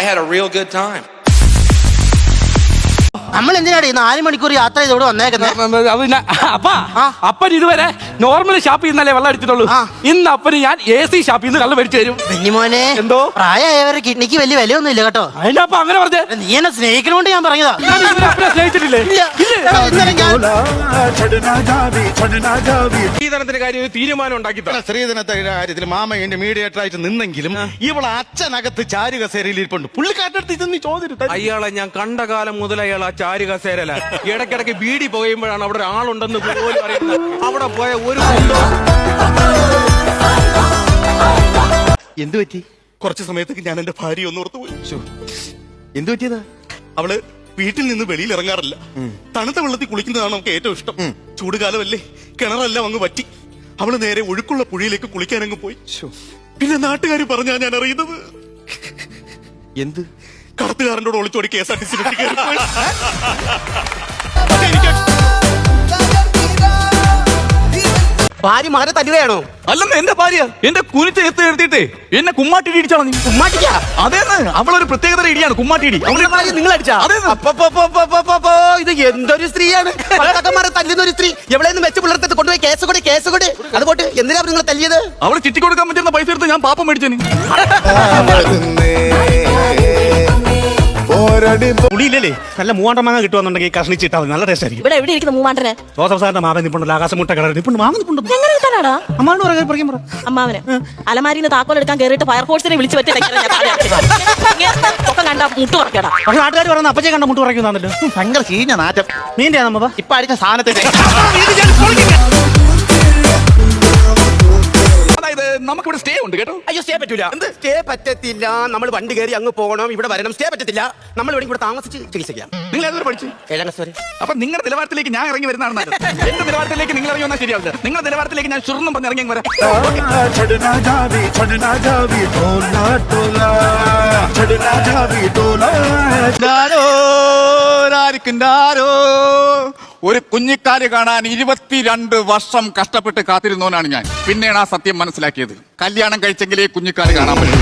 had a real good time. നമ്മൾ എന്തിനാണ് 4 മണിക്കൂർ യാത്ര ചെയ്ത് ഇവിടെ വന്നേക്കുന്നത്? അപ്പൻ ഇതുവരെ നോർമൽ ഷാപ്പിൽ നിന്നല്ലേ വെള്ളം അടിച്ചിട്ടുള്ളൂ. ഇന്ന് അപ്പന് ഞാൻ AC ഷാപ്പിൽ നിന്ന് വെള്ളം മേടിച്ചു തരും. കുഞ്ഞുമോനെ, എന്തോ പ്രായമായവരുടെ കിഡ്നിക്ക് വലിയ വിലയൊന്നും ഇല്ല കേട്ടോ. അതിനപ്പ അങ്ങനെ പറഞ്ഞേ? നീ എന്നെ സ്നേഹിക്കണോണ്ട് ഞാൻ പറഞ്ഞതാ. സ്നേഹിച്ചിട്ടില്ലേ? സ്ത്രീധനത്തിന്റെ കാര്യം തീരുമാനം ഉണ്ടാക്കി. സ്ത്രീധനത്തിന്റെ കാര്യത്തിൽ മാമ എന്റെ മീഡിയേറ്റർ ആയിട്ട് നിന്നെങ്കിലും ഇവളെ അച്ഛനകത്ത് ചാരുകസേരയിൽ ഇരിപ്പുണ്ട്. പുള്ളിക്കാരടുത്ത് ഇതൊന്നും ചോദിച്ചിട്ട് അയാളെ ഞാൻ കണ്ട കാലം മുതൽ അയാൾ ആ ചാരുകസേരല ഇടയ്ക്കിടയ്ക്ക് ബീഡി പുകയുമ്പോഴാണ് അവിടെ ഒരാളുണ്ടെന്ന് പോലും അറിയുന്നത്. അവിടെ പോയ ഒരു എന്തു പറ്റി? കുറച്ചു സമയത്തേക്ക് ഞാൻ എന്റെ ഭാര്യ ഒന്ന് ഓർത്തുപോയി. എന്തു പറ്റിയതാ? അവള് വീട്ടിൽ നിന്ന് വെളിയിൽ ഇറങ്ങാറില്ല. തണുത്ത വെള്ളത്തിൽ കുളിക്കുന്നതാണ് നമുക്ക് ഏറ്റവും ഇഷ്ടം. ചൂടുകാലമല്ലേ, കിണറെല്ലാം അങ്ങ് പറ്റി. അവള് നേരെ ഒഴുക്കുള്ള പുഴയിലേക്ക് കുളിക്കാൻ അങ്ങ് പോയി. പിന്നെ നാട്ടുകാർ പറഞ്ഞാ ഞാൻ അറിയുന്നത്. എന്ത്? കടത്തുകാരനോട് ഒളിച്ചോടി KSRTC ഭാര്യ മകനെ തല്ലുകയാണോ? അല്ലെന്ന് എന്റെ ഭാര്യ എന്റെ കുനിച്ച് എത്തിയിട്ട് എന്നെ കുമ്മാട്ടിടി ഇടിച്ചാണോ? നീ കുമ്മാട്ടിക്കാ? അതേന്ന്, അവളൊരു പ്രത്യേകതര ഇടിയാണ് കുമ്മാട്ടിടി. അവളുടെ ഭാര്യ നിങ്ങൾ അടിച്ചാ? ഇത് എന്തൊരു സ്ത്രീയാണ്? ഭർത്താക്കന്മാരെ തല്ലുന്ന ഒരു സ്ത്രീ. എവിടെയെന്ന് വെച്ച് പുലർത്തത്ത് കൊണ്ടുപോയി കേസ് കൊടു. അതുകൊണ്ട് എന്തിനാ നിങ്ങൾ തല്ലിയത്? അവള് ചിറ്റി കൊടുക്കാൻ പറ്റുന്ന പൈസ എടുത്ത് ഞാൻ പാപ്പം മേടിച്ചേന്. പുളിയില്ലേ? നല്ല 300 മാങ്ങ കിട്ടുവാന്നുണ്ടെങ്കിൽ കഷ്ണിച്ചിട്ടാ നല്ല ടേസ്റ്റ് ആയിരിക്കും. ഇവിടെ എവിടെ ഇരിക്കുന്ന 300? ജോസഫ് സാറിന്റെ മാവൻ നിപ്പുണ്ടല്ലോ, ആകാശമുട്ട കളർ നിപ്പുണ്ട്. മാങ്ങ നിപ്പുണ്ട്. അമ്മാവന് അലമാരിന്ന് താക്കോൽ എടുക്കാൻ കയറിയിട്ട് ഫയർഫോഴ്സിനെ വിളിച്ചു പറ്റി കണ്ട മുട്ട് പറക്കടാ. പക്ഷെ നാട്ടുകാർ പറയുന്ന അപ്പച്ചെ കണ്ട മുട്ട് പറയുന്നതാണല്ലോ. ഭയങ്കര ചീഞ്ഞ നാറ്റം. മീൻ്റെ നമ്മ ഇപ്പൊ അടിച്ച സാധനത്തിന്റെ നമുക്കിവിടെ സ്റ്റേ ഉണ്ട് കേട്ടോ. അയ്യോ, സ്റ്റേ പറ്റൂല. സ്റ്റേ പറ്റത്തില്ല. നമ്മൾ വണ്ടി കയറി അങ്ങ് പോകണം, ഇവിടെ വരണം. സ്റ്റേ പറ്റത്തില്ല. നമ്മൾ ഇവിടെ താമസിച്ച് ചികിത്സിക്കാം. നിങ്ങൾ ഏതൊരു പഠിച്ചു? 7ാം ക്ലാസ് വരെ. അപ്പൊ നിങ്ങളുടെ നിലവാരത്തിലേക്ക് ഞാൻ ഇറങ്ങി വരുന്നതാണ്. എന്റെ നിലവാരത്തിലേക്ക് നിങ്ങൾ ഇറങ്ങി വന്നാൽ ശരിയാവില്ല. നിങ്ങളുടെ നിലവാരത്തിലേക്ക് ഞാൻ ചുരുന്നും പറഞ്ഞ് ഇറങ്ങി വരാം. ഒരു കുഞ്ഞിക്കാല് കാണാൻ 22 വർഷം കഷ്ടപ്പെട്ട് കാത്തിരുന്നവനാണ് ഞാൻ. പിന്നെയാണ് ആ സത്യം മനസ്സിലാക്കിയത്. കല്യാണം കഴിച്ചെങ്കിലേ കുഞ്ഞിക്കാല് കാണാൻ പറ്റും.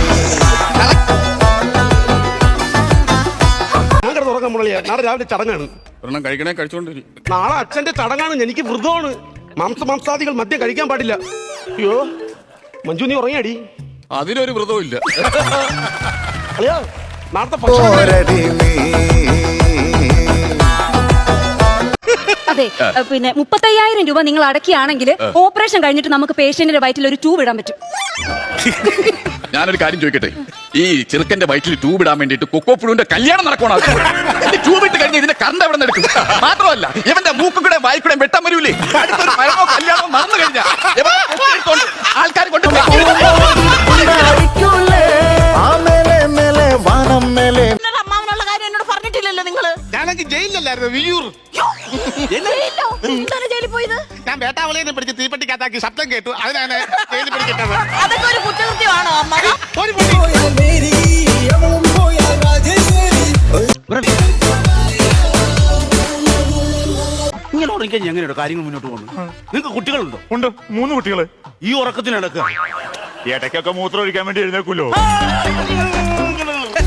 നാളെ രാവിലെ ചടങ്ങാണ്. ഒരെണ്ണം കഴിക്കണേ കഴിച്ചോണ്ടിരി. നാളെ അച്ഛന്റെ ചടങ്ങാണ്. എനിക്ക് വ്രതമാണ്. മാംസാദികൾ മദ്യം കഴിക്കാൻ പാടില്ല. അയ്യോ മഞ്ജു, നീ ഉറങ്ങിയാടി? അതിനൊരു വ്രതവും ഇല്ല. അയ്യോ, നാളത്തെ ഭക്ഷണം അതെ. പിന്നെ 35,000 രൂപ നിങ്ങൾ അടക്കിയാണെങ്കിൽ ഓപ്പറേഷൻ കഴിഞ്ഞിട്ട് നമുക്ക് പേഷ്യന്റിന്റെ വയറ്റിൽ ഒരു ട്യൂബ് ഇടാൻ പറ്റും. ഞാനൊരു കാര്യം ചോദിക്കട്ടെ, ഈ ചെറുക്കന്റെ വയറ്റിൽ ട്യൂബ് ഇടാൻ വേണ്ടിട്ട് കൊക്കോപ്പുഴുവിന്റെ കല്യാണം നടക്കണം. ട്യൂബ് ഇട്ട് കഴിഞ്ഞ് ഇതിന്റെ കറണ്ട് എവിടെ നിന്ന് എടുക്കും? മാത്രമല്ല ഇവന്റെ മൂക്കുകൂടെ വായിക്കൂടെ വെട്ടാൻ വരൂലേ? അടുത്തൊരു മരണോ കല്യാണമോ നടന്നു കഴിഞ്ഞാൽ ആൾക്കാർ കൊണ്ട് അമ്മാവനുള്ള കാര്യം എന്നോട് പറഞ്ഞിട്ടില്ലല്ലോ നിങ്ങള്. ഞാനെങ്കിൽ ജയിലിലല്ലായിരുന്നു, വിയൂർ. ജയിലിൽ പോയത് ഞാൻ വേട്ടാവളിയെ പിടിച്ച് തീപ്പെട്ടിക്കകത്താക്കി ശബ്ദം കേട്ടു. അതിനാണ് ജയിലിൽ പിടിക്കുന്നത്. അതൊക്കെ ഒരു കുറ്റകൃത്യമാണോ അമ്മ? ഇങ്ങനെ ഉറങ്ങിക്കാൻ എങ്ങനെയുണ്ടോ കാര്യങ്ങൾ മുന്നോട്ട് പോകുന്നു? നിങ്ങൾക്ക് കുട്ടികളുണ്ടോ? ഉണ്ട്, 3 കുട്ടികള്. ഈ ഉറക്കത്തിന് നടക്കുക. ഇടയ്ക്കൊക്കെ മൂത്രം ഒഴിക്കാൻ വേണ്ടി എഴുന്നേക്കുമല്ലോ.